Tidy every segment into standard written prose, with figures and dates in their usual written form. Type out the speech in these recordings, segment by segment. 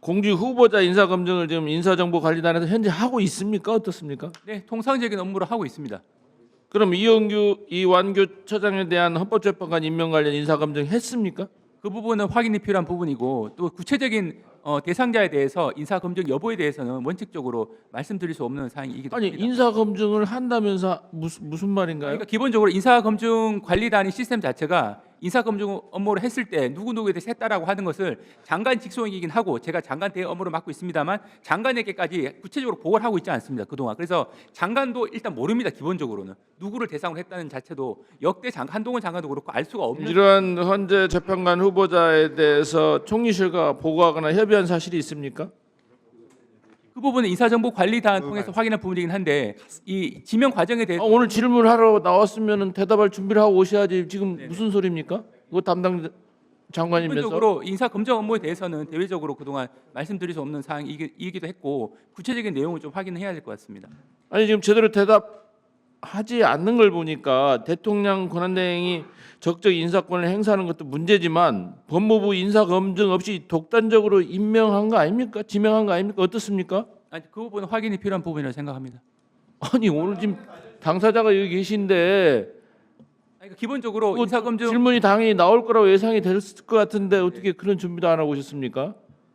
공직 후보자 인사검증을 지금 인사정보관리단에서 현재 하고 있습니까? 어떻습니까? 네, 통상적인 업무를 하고 있습니다. 그럼 이완규 처장에 대한 헌법재판관 임명 관련 인사검증 했습니까? 그 부분은 확인이 필요한 부분이고 또 구체적인 대상자에 대해서 인사 검증 여부에 대해서는 원칙적으로 말씀드릴 수 없는 사항이기도 아니 합니다. 인사검증을 한다면서 무슨 말인가요? 그러니까 기본적으로 인사 검증 관리단의 시스템 자체가 인사 검증 업무를 했을 때 누구누구에 대해서 했다라고 하는 것을 장관 직속이긴 하고 제가 장관 대행 업무를 맡고 있습니다만 장관에게까지 구체적으로 보고를 하고 있지 않습니다. 그동안. 그래서 장관도 일단 모릅니다. 기본적으로는. 누구를 대상으로 했다는 자체도 역대 한동훈 장관도 그렇고 알 수가 없는. 이러한 헌재 재판관 후보자에 대해서 총리실과 보고하거나 협의한 사실이 있습니까? 그 부분은 인사정보관리단 통해서 확인한 부분이긴 한데 이 지명 과정에 대해서 오늘 질문하러 나왔으면 대답할 준비를 하고 오셔야지. 지금 무슨 소리입니까? 그거 담당 장관이면서. 기본적으로 인사 검증 업무에 대해서는 대외적으로 그동안 말씀드릴 수 없는 사항이기도 했고 구체적인 내용을 좀 확인해야 될 것 같습니다. 아니 지금 제대로 대답하지 않는 걸 보니까 대통령 권한대행이 적적 인사권을 행사하는 것도 문제지만 법무부 인사검증 없이 독단적으로 임명한 거 아닙니까? 지명한 거 아닙니까? 어떻습니까? 아니, 그 부분은 확인이 필요한 부분이라고 생각합니다. 아니 오늘 지금 당사자가 여기 계신데 아니, 기본적으로 인사 검증 질문이 당연히 나올 거라고 예상이 됐을 것 같은데 어떻게 그런 준비도 안 하고 오셨습니까?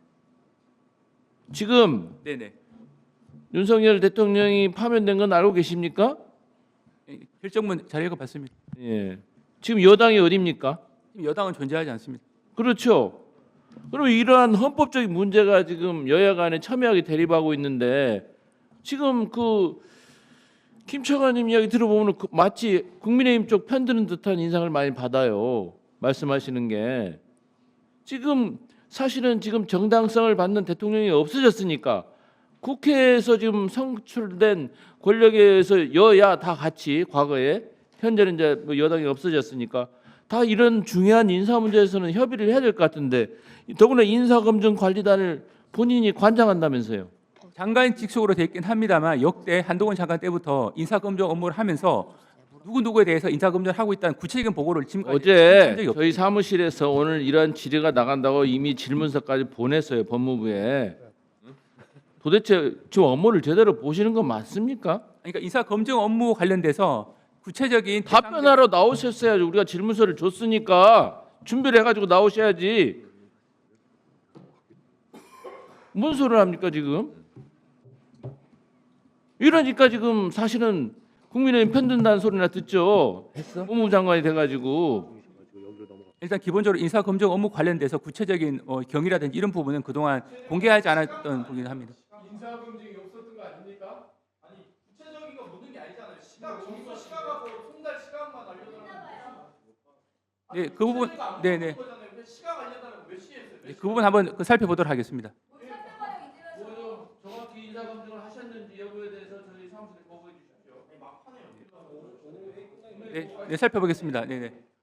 지금 네네 윤석열 대통령이 파면된 건 알고 계십니까? 결정문 잘 읽어봤습니다. 예. 지금 여당이 어디입니까? 지금 여당은 존재하지 않습니다. 그렇죠. 그럼 이러한 헌법적인 문제가 지금 여야 간에 첨예하게 대립하고 있는데 지금 그 김처관님 이야기 들어보면 마치 국민의힘 쪽 편드는 듯한 인상을 많이 받아요. 말씀하시는 게 지금 사실은 지금 정당성을 받는 대통령이 없어졌으니까 국회에서 지금 선출된 권력에서 여야 다 같이 과거에 현재는 이제 뭐 여당이 없어졌으니까 다 이런 중요한 인사 문제에서는 협의를 해야 될 것 같은데 더구나 인사검증관리단을 본인이 관장한다면서요. 장관 직속으로 돼 있긴 합니다만 역대 한동훈 장관 때부터 인사검증 업무를 하면서 누구누구에 대해서 인사검증을 하고 있다는 구체적인 보고를 지금까지 한 어제 적이 없습니다. 저희 사무실에서 오늘 이러한 질의가 나간다고 이미 질문서까지 보냈어요. 법무부에. 도대체 지금 업무를 제대로 보시는 건 맞습니까? 그러니까 인사검증 업무 관련돼서 구체적인 답변하러 나오셨어야죠. 우리가 질문서를 줬으니까 준비를 해가지고 나오셔야지. 뭔 소리를 합니까 지금? 이러니까 지금 사실은 국민의힘 편든다는 소리나 듣죠. 법무부 장관이 돼가지고. 일단 기본적으로 인사검증 업무 관련돼서 구체적인 경위라든지 이런 부분은 그동안 공개하지 않았던 부분이긴 합니다. 인사검증이 없었던 거 아닙니까? 아니 구체적인 거 묻는 게 아니잖아요. 점수 시각하고 송달 시각만 알려달라고. 네, 그 부분 네네 시각 알려달라고 몇 시에 했어요? 그 부분 한번 살펴보도록 하겠습니다. 정확히 인사검증을 하셨는지 여부에 대해서 저희 사무실에 보고해 주십시오. 네, 살펴보겠습니다. 네네.